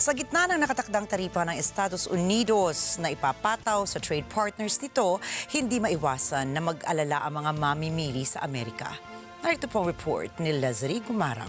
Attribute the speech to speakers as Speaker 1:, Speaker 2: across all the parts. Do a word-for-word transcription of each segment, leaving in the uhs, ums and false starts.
Speaker 1: Sa gitna ng nakatakdang taripa ng Estados Unidos na ipapataw sa trade partners nito, hindi maiwasan na mag-alala ang mga mamimili sa Amerika. Narito po ang report ni Leslie Gumarang.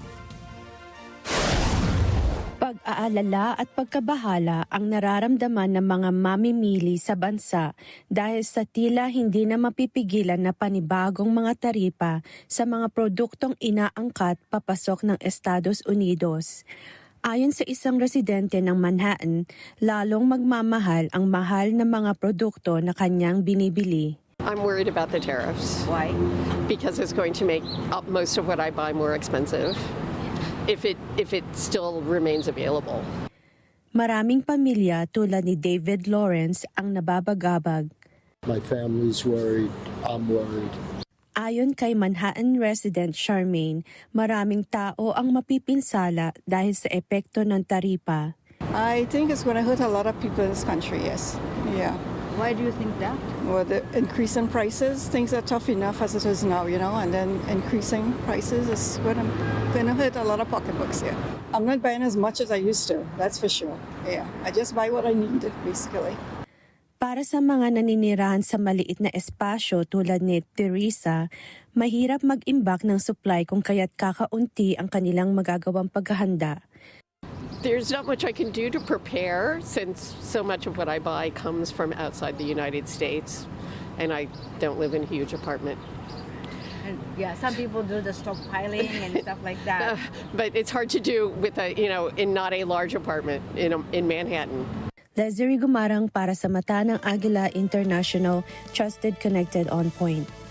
Speaker 2: Pag-aalala at pagkabahala ang nararamdaman ng mga mamimili sa bansa dahil sa tila hindi na mapipigilan na panibagong mga taripa sa mga produktong inaangkat papasok ng Estados Unidos. Ayon sa isang residente ng Manhattan, lalong magmamahal ang mahal ng mga produkto na kanyang binibili.
Speaker 3: I'm worried about the tariffs.
Speaker 4: Why?
Speaker 3: Because it's going to make up most of what I buy more expensive if it if it still remains available.
Speaker 2: Maraming pamilya tulad ni David Lawrence ang nababagabag.
Speaker 5: My family's worried. I'm worried.
Speaker 2: Ayon kay Manhattan resident Charmaine, maraming tao ang mapipinsala dahil sa epekto ng taripa.
Speaker 6: I think it's going to hurt a lot of people in this country, yes. Yeah.
Speaker 4: Why do you think that?
Speaker 6: Well, the increase in prices, things are tough enough as it is now, you know, and then increasing prices is going to, going to hurt a lot of pocketbooks here. I'm not buying as much as I used to, that's for sure. Yeah, I just buy what I need, basically.
Speaker 2: Para sa mga naninirahan sa maliit na espasyo tulad ni Teresa, mahirap mag-imbak ng supply kung kaya't kakaunti ang kanilang magagawang paghahanda.
Speaker 3: There's not much I can do to prepare since so much of what I buy comes from outside the United States and I don't live in a huge apartment.
Speaker 4: And yeah, some people do the stockpiling and stuff like that.
Speaker 3: Uh, but it's hard to do with a, you know, in not a large apartment in, a, in Manhattan.
Speaker 2: Leslie Gumarang para sa Mata ng Agila International, Trusted, Connected, On Point.